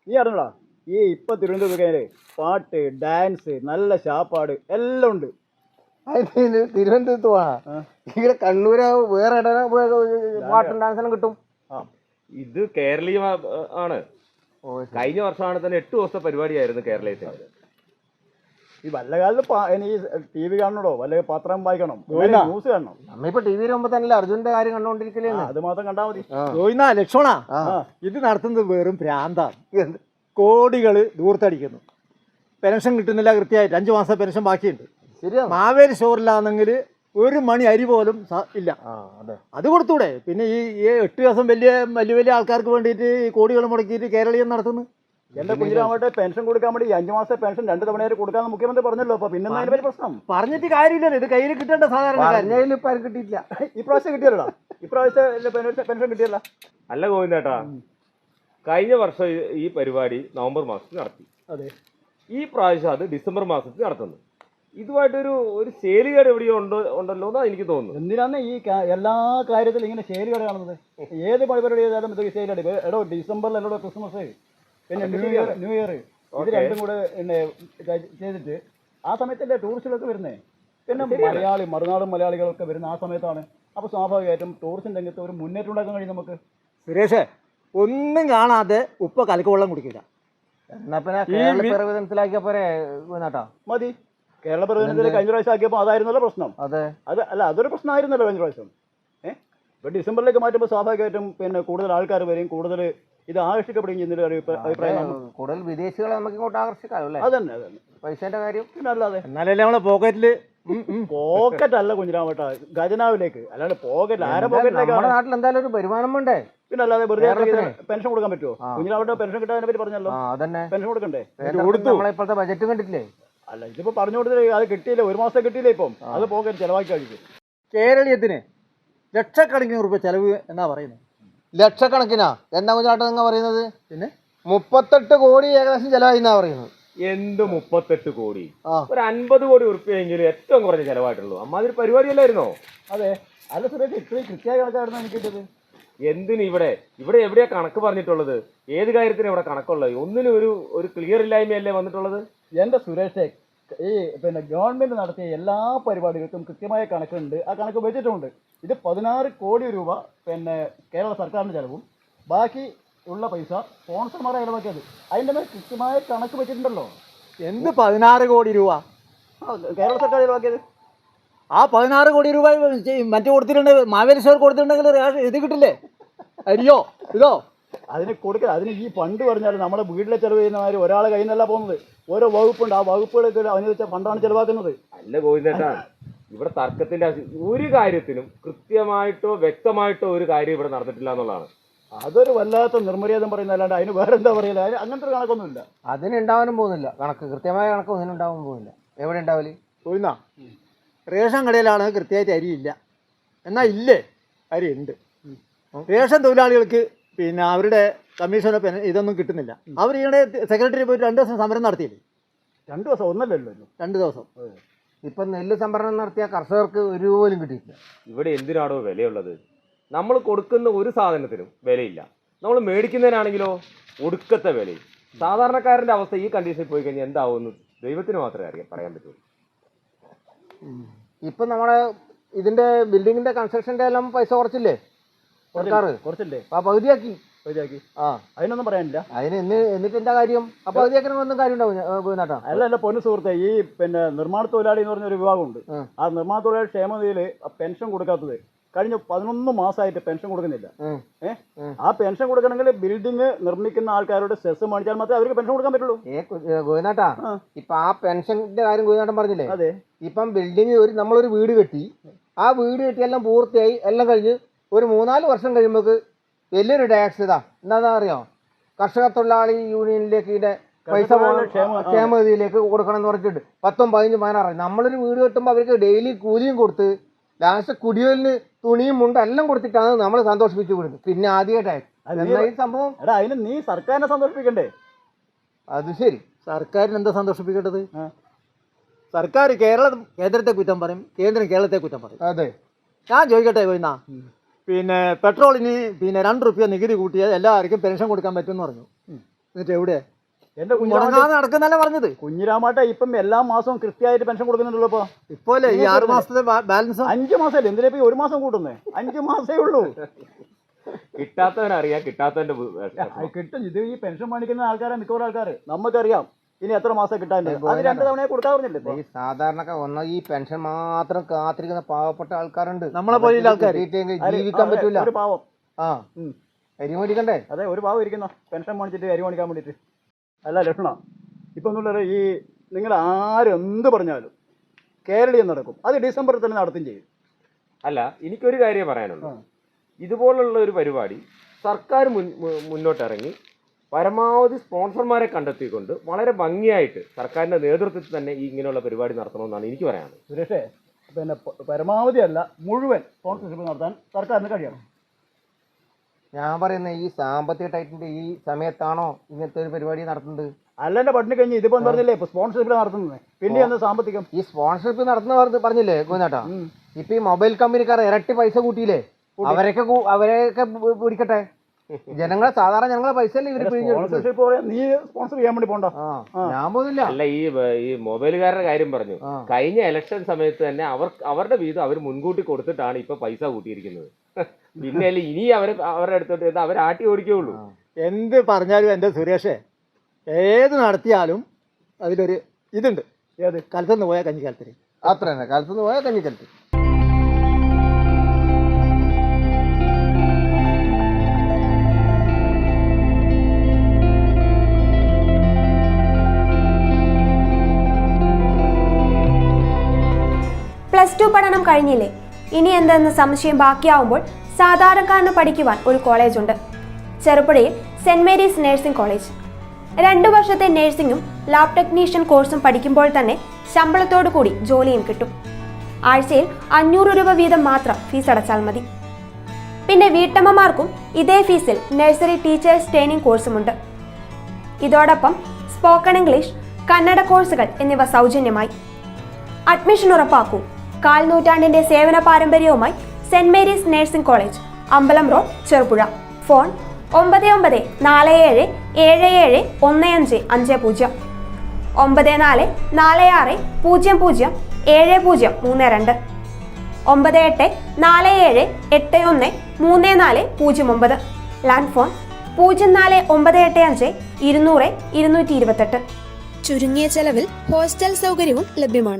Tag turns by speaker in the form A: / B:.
A: നീ അറിഞ്ഞടാ ഈ ഇപ്പൊ തിരുവനന്തപുരത്ത് പാട്ട് ഡാൻസ് നല്ല ശാപ്പാട് എല്ലാം ഉണ്ട്.
B: തിരുവനന്തപുരത്ത് പോവാ ഇവിടെ കണ്ണൂര് വേറെ പാട്ടും ഡാൻസെല്ലാം കിട്ടും.
C: ഇത് കേരളീയ ആണ്. കഴിഞ്ഞ വർഷമാണ് തന്നെ 8 ദിവസത്തെ പരിപാടിയായിരുന്നു കേരളത്തിൽ.
A: ഈ വല്ല കാലത്ത് ഈ ടി വി കാണണോ വല്ല പത്രം വായിക്കണം, ന്യൂസ് കാണണം.
B: നമ്മിപ്പോ ടി വിയിൽ മുമ്പ് തന്നെ അർജുന്റെ കാര്യം കണ്ടോണ്ടിരിക്കലേ.
A: അത് മാത്രം കണ്ടാ മതി.
D: ലക്ഷ്മണ, ഇത് നടത്തുന്നത് വെറും ഭ്രാന്താണ്. കോടികള് ദൂർത്തടിക്കുന്നു. പെൻഷൻ കിട്ടുന്നില്ല, കൃത്യമായിട്ട് 5 മാസം പെൻഷൻ ബാക്കിയുണ്ട്. മാവേലി സ്റ്റോറിലാണെങ്കിൽ 1 മണി അരി പോലും ഇല്ല. അത് കൊടുത്തൂടെ? പിന്നെ ഈ 8 ദിവസം വലിയ വലിയ ആൾക്കാർക്ക് വേണ്ടിയിട്ട് ഈ കോടികൾ മുടക്കിയിട്ട് കേരളീയം നടത്തുന്നു.
A: എന്റെ കുഞ്ഞിരാമട്ടെ പെൻഷൻ കൊടുക്കാൻ വേണ്ടി 5 മാസത്തെ പെൻഷൻ 2 തവണയായിട്ട് കൊടുക്കാന്ന് മുഖ്യമന്ത്രി പറഞ്ഞല്ലോ. അപ്പൊ പിന്നെ അതിന് പ്രശ്നം
D: പറഞ്ഞിട്ട് കാര്യമില്ലല്ലോ. ഇത് കയ്യിൽ കിട്ടേണ്ട സാധാരണ
B: ഇപ്പൊ കിട്ടിയില്ല.
A: ഇപ്രാവശ്യം കിട്ടിയല്ലോ. ഇപ്രാവശ്യം പെൻഷൻ കിട്ടിയല്ല.
C: അല്ല ഗോവിന്ദേട്ടാ, കഴിഞ്ഞ വർഷം ഈ പരിപാടി നവംബർ മാസത്തിൽ നടത്തി.
A: അതെ,
C: ഈ പ്രാവശ്യം അത് ഡിസംബർ മാസത്തിൽ നടത്തുന്നു. ഇതുമായിട്ടൊരു ശേലികേട് എവിടെയോ ഉണ്ടല്ലോ എന്നാ എനിക്ക് തോന്നുന്നു.
A: എന്തിനാണ് ഈ എല്ലാ കാര്യത്തിലും ഇങ്ങനെ ശേലികേട് കാണുന്നത്? ഏത് പരിപാടി ചെയ്താലും ഇത് ശേലികേട്. എടോ ഡിസംബറിൽ എന്നോട് ക്രിസ്മസ് പിന്നെ ന്യൂ ഇയർ ഇത് രണ്ടും കൂടെ ചെയ്തിട്ട് ആ സമയത്തല്ലേ ടൂറിസ്റ്റുകളൊക്കെ വരുന്നേ. പിന്നെ മറുനാടും മലയാളികളൊക്കെ വരുന്ന ആ സമയത്താണ്. അപ്പോൾ സ്വാഭാവികമായിട്ടും ടൂറിസം രംഗത്ത് ഒരു മുന്നേറ്റം ഉണ്ടാക്കാൻ കഴിയും നമുക്ക്.
D: സുരേഷ്, ഒന്നും കാണാതെ ഉപ്പ കലക്കുവെള്ളം കുടിക്കില്ല.
B: എന്നാ പിന്നെ പോരെ
A: മതി. കേരള പ്രധാനമന്ത്രി കഴിഞ്ഞ പ്രാവശ്യം ആക്കിയപ്പോൾ അതായിരുന്നല്ലോ പ്രശ്നം. അതൊരു പ്രശ്നമായിരുന്നല്ലോ കഴിഞ്ഞ പ്രാവശ്യം. ഇപ്പൊ ഡിസംബറിലേക്ക് മാറ്റുമ്പോൾ സ്വാഭാവികമായിട്ടും പിന്നെ കൂടുതൽ ആൾക്കാർ വരും, കൂടുതൽ ഇത് ആകർഷിക്കപ്പെടുകയും ചെയ്യുന്നൊരു അഭിപ്രായം.
B: കൂടുതൽ വിദേശികളെ നമുക്ക് ഇങ്ങോട്ട് ആകർഷിക്കാമല്ലേ?
A: അതന്നെ
B: പൈസേന്റെ കാര്യം.
A: പിന്നെ അല്ലാതെ
D: എന്നാലല്ലേ നമ്മളെ പോക്കറ്റില്
A: പോക്കറ്റ് അല്ല കുഞ്ഞിരാമട്ട, ഖജനാവിലേക്ക്. അല്ലാണ്ട് പോക്കറ്റ് ആരെ പോക്കറ്റിലേക്ക്?
B: നമ്മുടെ നാട്ടിൽ എന്തായാലും ഒരു വരുമാനം വേണ്ടേ?
A: പിന്നെ അല്ലാതെ വെറുതെ പെൻഷൻ കൊടുക്കാൻ പറ്റുമോ? കുഞ്ഞിരാമട്ട പെൻഷൻ കിട്ടാനെ പറ്റി പറഞ്ഞല്ലോ. പെൻഷൻ കൊടുക്കണ്ടേ?
B: നമ്മളിപ്പോഴത്തെ ബജറ്റ് കണ്ടിട്ടില്ലേ?
A: അല്ല, ഇതിപ്പോ പറഞ്ഞു കൊടുത്തില്ലേ, അത് കിട്ടിയില്ല. 1 മാസം കിട്ടിയില്ല. ഇപ്പം അത് പോക്കറ്റ് ചെലവാക്കി കഴിക്കും.
D: കേരളീയത്തിന് ലക്ഷക്കണക്കിന് രൂപ ചെലവ് എന്നാ പറയുന്നത്.
B: ലക്ഷക്കണക്കിനാ? എന്താ കുഞ്ഞാട്ടം നിങ്ങൾ പറയുന്നത്? പിന്നെ 38 കോടി ഏകദേശം ചെലവായി എന്നാ പറയുന്നത്.
C: എന്ത് 38 കോടി? ഒരു 50 കോടി ഉറുപ്പിയെങ്കിലും ഏറ്റവും കുറഞ്ഞ ചെലവായിട്ടുള്ളൂ. അമ്മാതിരി പരിപാടിയല്ലായിരുന്നോ?
A: അതെ. അല്ല സുരേഷ്, ഇത്രയും കൃത്യമായ കണക്കായിരുന്നു എനിക്ക് കിട്ടിയത്.
C: എന്തിന് ഇവിടെ എവിടെയാ കണക്ക് പറഞ്ഞിട്ടുള്ളത്? ഏത് കാര്യത്തിനും ഇവിടെ കണക്കുള്ളത്? ഒന്നിനും ഒരു ക്ലിയർ ഇല്ലായ്മയല്ലേ വന്നിട്ടുള്ളത്?
A: എന്റെ സുരേഷേ, ഈ പിന്നെ ഗവൺമെന്റ് നടത്തിയ എല്ലാ പരിപാടികൾക്കും കൃത്യമായ കണക്കുണ്ട്. ആ കണക്ക് വെച്ചിട്ടുണ്ട്. ഇത് 16 കോടി രൂപ പിന്നെ കേരള സർക്കാരിന്റെ ചെലവും ബാക്കി ഉള്ള പൈസ സ്പോൺസർമാരെ ചെലവാക്കിയത്. അതിന്റെ മേൽ കൃത്യമായ കണക്ക് വെച്ചിട്ടുണ്ടല്ലോ.
D: എന്ത് 16 കോടി രൂപ
A: കേരള സർക്കാർ ചെലവാക്കിയത്?
D: ആ 16 കോടി രൂപ മറ്റു കൊടുത്തിട്ടുണ്ടെങ്കിൽ, മാവേലി സ്റ്റോർ കൊടുത്തിട്ടുണ്ടെങ്കിൽ ഇത് കിട്ടില്ലേ? അരിയോ ഇതോ
A: അതിന് കൊടുക്കുക. അതിന് ഈ ഫണ്ട് പറഞ്ഞാൽ നമ്മുടെ വീട്ടിലെ ചെലവ് ചെയ്യുന്നവർ ഒരാളെ കയ്യിൽ നിന്നല്ല പോകുന്നത്. ഓരോ വകുപ്പുണ്ട്. ആ വകുപ്പുകളൊക്കെ അനുവദിച്ച ഫണ്ടാണ് ചെലവാക്കുന്നത്.
C: അല്ല ഗോവിന്ദേട്ടാ, ഇവിടെ തർക്കത്തിന്റെ ഒരു കാര്യത്തിനും കൃത്യമായിട്ടോ വ്യക്തമായിട്ടോ ഒരു കാര്യം ഇവിടെ നടന്നിട്ടില്ല എന്നുള്ളതാണ്.
A: അതൊരു വല്ലാത്ത നിർമര്യാദം പറയുന്നത്. അല്ലാണ്ട് അതിന് വേറെ എന്താ പറയില്ല. അതിന് അങ്ങനത്തെ ഒരു കണക്കൊന്നുമില്ല.
B: അതിനുണ്ടാവാനും പോകുന്നില്ല. കണക്ക് കൃത്യമായ കണക്ക് ഒന്നിനുണ്ടാവാൻ പോകുന്നില്ല. എവിടെ ഉണ്ടാവില്ല?
D: പോയിന്നാ റേഷൻ കടയിലാണ് കൃത്യമായിട്ട് അരിയില്ല. എന്നാൽ ഇല്ലേ, അരി ഉണ്ട്. റേഷൻ തൊഴിലാളികൾക്ക് പിന്നെ അവരുടെ കമ്മീഷനോ ഇതൊന്നും കിട്ടുന്നില്ല. അവർ ഈയിടെ സെക്രട്ടറി പോയിട്ട് 2 ദിവസം സമരം നടത്തിയില്ലേ?
A: 2 ദിവസം ഒന്നല്ലല്ലോ,
D: 2 ദിവസം.
B: ഇപ്പം നെല്ല് സംഭരണം നടത്തിയ കർഷകർക്ക് ഒരു പോലും കിട്ടിയിട്ടില്ല.
C: ഇവിടെ എന്തിനാണോ വിലയുള്ളത്? നമ്മൾ കൊടുക്കുന്ന ഒരു സാധനത്തിനും വിലയില്ല. നമ്മൾ മേടിക്കുന്നതിനാണെങ്കിലോ ഒടുക്കത്തെ വിലയും. സാധാരണക്കാരൻ്റെ അവസ്ഥ ഈ കണ്ടീഷനിൽ പോയി കഴിഞ്ഞാൽ എന്താവുമെന്ന് ദൈവത്തിന് മാത്രമേ പറയാൻ പറ്റുള്ളൂ.
B: ഇപ്പം നമ്മുടെ ഇതിന്റെ ബിൽഡിങ്ങിന്റെ കൺസ്ട്രക്ഷന്റെ എല്ലാം പൈസ കുറച്ചില്ലേ സർക്കാർ?
A: കുറച്ചില്ലേ?
B: ആ പകുതിയാക്കി.
A: അതിനൊന്നും പറയാനില്ല.
B: എന്നിട്ട് എന്താ കാര്യം? ആ പകുതിയാക്കി ഒന്നും കാര്യം ഉണ്ടാവും.
A: അല്ല പൊന്നു സുഹൃത്തെ, ഈ പിന്നെ നിർമ്മാണ തൊഴിലാളി എന്ന് പറഞ്ഞൊരു വിഭാഗമുണ്ട്. ആ നിർമ്മാണ തൊഴിലാളി ക്ഷേമനിധിയിൽ പെൻഷൻ കൊടുക്കാത്തത് കഴിഞ്ഞ 11 മാസമായിട്ട് പെൻഷൻ കൊടുക്കുന്നില്ല. ആ പെൻഷൻ കൊടുക്കണമെങ്കിൽ ബിൽഡിംഗ് നിർമ്മിക്കുന്ന ആൾക്കാരോട് സെസ് മേടിച്ചാൽ മാത്രമേ അവർക്ക് പെൻഷൻ കൊടുക്കാൻ പറ്റുള്ളൂ.
B: ഗോവിനാട്ടാ, ഇപ്പൊ ആ പെൻഷന്റെ കാര്യം ഗോവിനാട്ടൻ പറഞ്ഞില്ലേ?
A: അതെ.
B: ഇപ്പം ബിൽഡിംഗ് നമ്മളൊരു വീട് കെട്ടി, ആ വീട് കെട്ടി എല്ലാം പൂർത്തിയായി എല്ലാം കഴിഞ്ഞ് ഒരു 3-4 വർഷം കഴിയുമ്പോൾ വലിയൊരു ടാക്സ് എന്താ അറിയാം? കർഷക തൊഴിലാളി യൂണിയനിലേക്ക് ഇതിന്റെ പൈസ ക്ഷേമനിധിയിലേക്ക് കൊടുക്കണം എന്ന് പറഞ്ഞിട്ടുണ്ട്. 10, 15, 16. നമ്മളൊരു വീട് കെട്ടുമ്പോൾ അവർക്ക് ഡെയിലി കൂലിയും കൊടുത്ത് ലാസ്റ്റ് കുടിവെല്ലിന് തുണിയും മുണ്ടും എല്ലാം കൊടുത്തിട്ടാണ് നമ്മൾ സന്തോഷിപ്പിച്ചു കൊടുക്കുന്നത്. പിന്നെ ആദ്യ ടാക്സ്. എന്താ ഈ സംഭവം?
A: അതിന് നീ സർക്കാരിനെ സന്തോഷിപ്പിക്കണ്ടേ?
B: അത് ശരി,
D: സർക്കാരിന് എന്താ സന്തോഷിപ്പിക്കേണ്ടത്? സർക്കാർ കേന്ദ്രത്തെ കുറ്റം പറയും, കേന്ദ്രം കേരളത്തെ കുറ്റം പറയും.
B: അതെ.
D: ഞാൻ ചോദിക്കട്ടെ പോയിന്നാ, പിന്നെ പെട്രോളിന് പിന്നെ 2 രൂപ നികുതി കൂട്ടിയാൽ എല്ലാവർക്കും പെൻഷൻ കൊടുക്കാൻ പറ്റുമെന്ന് പറഞ്ഞു. എന്നിട്ട് എവിടെ
A: എന്റെ
D: മുടങ്ങാതെ നടക്കുന്നല്ല പറഞ്ഞത്.
A: കുഞ്ഞിരാമാട്ടെ ഇപ്പം എല്ലാ മാസവും കൃത്യമായിട്ട് പെൻഷൻ കൊടുക്കുന്നുണ്ടല്ലോ. ഇപ്പൊ
D: ഇപ്പോലെ ഈ 6 മാസത്തെ ബാലൻസ്
A: 5 മാസമല്ലേ, എന്തിനാ ഇപ്പൊ 1 മാസം കൂട്ടുന്നേ? 5 മാസേ ഉള്ളൂ.
C: കിട്ടാത്തവനറിയാം കിട്ടാത്തവന്റെ
A: കിട്ടും. ഇത് ഈ പെൻഷൻ മേടിക്കുന്ന ആൾക്കാരെ മിക്കവാറും ആൾക്കാർ നമുക്കറിയാം ഇനി എത്ര മാസം കിട്ടാൻ. അത് 2 തവണ കൊടുക്കാൻ പറഞ്ഞില്ലേ.
B: ഈ സാധാരണക്കാർ ഒന്ന ഈ പെൻഷൻ മാത്രം കാത്തിരിക്കുന്ന പാവപ്പെട്ട ആൾക്കാരുണ്ട്.
D: നമ്മളെ പോലെയുള്ള ആൾക്കാർ
B: ജീവിക്കാൻ പറ്റൂല.
A: ഒരു പാവം.
B: അരി മേടിക്കണ്ടേ?
A: അതെ, ഒരു പാവം ഇരിക്കുന്ന പെൻഷൻ മേടിച്ചിട്ട് അരി മേടിക്കാൻ വേണ്ടിട്ട്. അല്ല ലക്ഷണ, ഇപ്പൊ എന്നുള്ളത് ഈ നിങ്ങൾ ആരെന്ത് പറഞ്ഞാലും കേരളീയം നടക്കും. അത് ഡിസംബറിൽ തന്നെ നടത്തും ചെയ്യും.
C: അല്ല, എനിക്കൊരു കാര്യം പറയാനുള്ളൂ. ഇതുപോലുള്ള ഒരു പരിപാടി സർക്കാർ മുന്നോട്ടിറങ്ങി പരമാവധി സ്പോൺസർമാരെ കണ്ടെത്തിക്കൊണ്ട് വളരെ ഭംഗിയായിട്ട് സർക്കാരിന്റെ നേതൃത്വത്തിൽ തന്നെ ഈ ഇങ്ങനെയുള്ള പരിപാടി നടത്തണമെന്നാണ് എനിക്ക് പറയാനുള്ളത്.
A: സുരേഷേ, പിന്നെ പരമാവധി അല്ല മുഴുവൻ സ്പോൺസർഷിപ്പ് നടത്താൻ സർക്കാരിന് കഴിയണം.
B: ഞാൻ പറയുന്നത് ഈ സാമ്പത്തിക ടൈറ്റിന്റെ ഈ സമയത്താണോ ഇങ്ങനത്തെ ഒരു പരിപാടി നടത്തുന്നത്?
A: അല്ലെന്റെ പട്ടിണി കഴിഞ്ഞ് ഇതിപ്പോ പറഞ്ഞില്ലേ ഇപ്പൊ സ്പോൺസർഷിപ്പ് നടത്തുന്നത്. പിന്നെ എന്താ സാമ്പത്തികം?
B: ഈ സ്പോൺസർഷിപ്പ് നടത്തുന്ന പറഞ്ഞില്ലേ ഗോവിന്ദേട്ടാ, ഇപ്പൊ ഈ മൊബൈൽ കമ്പനിക്കാർ ഇരട്ടി പൈസ കൂട്ടിയില്ലേ? അവരെയൊക്കെ പിടിക്കട്ടെ. ജനങ്ങളെ സാധാരണ ജനങ്ങളെ പൈസ അല്ലേ ഇവര്
A: സ്പോൺസർഷിപ്പ് നീ സ്പോൺസർ ചെയ്യാൻ വേണ്ടി പോണ്ട.
B: ഞാൻ പോകുന്നില്ല.
C: അല്ല, ഈ മൊബൈലുകാരുടെ കാര്യം പറഞ്ഞു. കഴിഞ്ഞ ഇലക്ഷൻ സമയത്ത് തന്നെ അവരുടെ വീതം അവർ മുൻകൂട്ടി കൊടുത്തിട്ടാണ് ഇപ്പൊ പൈസ കൂട്ടിയിരിക്കുന്നത്. പിന്നെ അല്ലേ ഇനി അവരുടെ അടുത്തോട്ട് അവർ ആട്ടി ഓടിക്കുകയുള്ളൂ.
D: എന്ത് പറഞ്ഞാലും എൻ്റെ സുരേഷേ, ഏത് നടത്തിയാലും അതിലൊരു ഇതുണ്ട്.
A: ഏത്?
D: കാലത്തുനിന്ന് പോയാൽ കഞ്ഞിക്കാലത്തിന്.
B: അത്ര തന്നെ, കാലത്തുനിന്ന് പോയാൽ കഞ്ഞിക്കാലത്ത്.
E: +2 പഠനം കഴിഞ്ഞില്ലേ? ഇനി എന്തെന്ന് സംശയം ബാക്കിയാവുമ്പോൾ സാധാരണക്കാരന് പഠിക്കുവാൻ ഒരു കോളേജുണ്ട്. ചെറുപുഴയിൽ സെന്റ് മേരീസ് നഴ്സിംഗ് കോളേജ്. 2 വർഷത്തെ നഴ്സിംഗും ലാബ് ടെക്നീഷ്യൻ കോഴ്സും പഠിക്കുമ്പോൾ തന്നെ ശമ്പളത്തോടു കൂടി ജോലിയും കിട്ടും. ആഴ്ചയിൽ 500 രൂപ വീതം മാത്രം ഫീസ് അടച്ചാൽ മതി. പിന്നെ വീട്ടമ്മമാർക്കും ഇതേ ഫീസിൽ നഴ്സറി ടീച്ചേഴ്സ് ട്രെയിനിങ് കോഴ്സുമുണ്ട്. ഇതോടൊപ്പം സ്പോക്കൺ ഇംഗ്ലീഷ്, കന്നഡ കോഴ്സുകൾ എന്നിവ സൗജന്യമായി. അഡ്മിഷൻ ഉറപ്പാക്കൂ. 1/4 നൂറ്റാണ്ടിന്റെ സേവന പാരമ്പര്യവുമായി സെന്റ് മേരീസ് നഴ്സിംഗ് കോളേജ്, അമ്പലം road, Cherupuzha. Phone 9947771550 9446007032 9847813409. Land phone 04985 200 228.
F: ചുരുങ്ങിയ ചെലവിൽ ഹോസ്റ്റൽ സൗകര്യവും ലഭ്യമാണ്.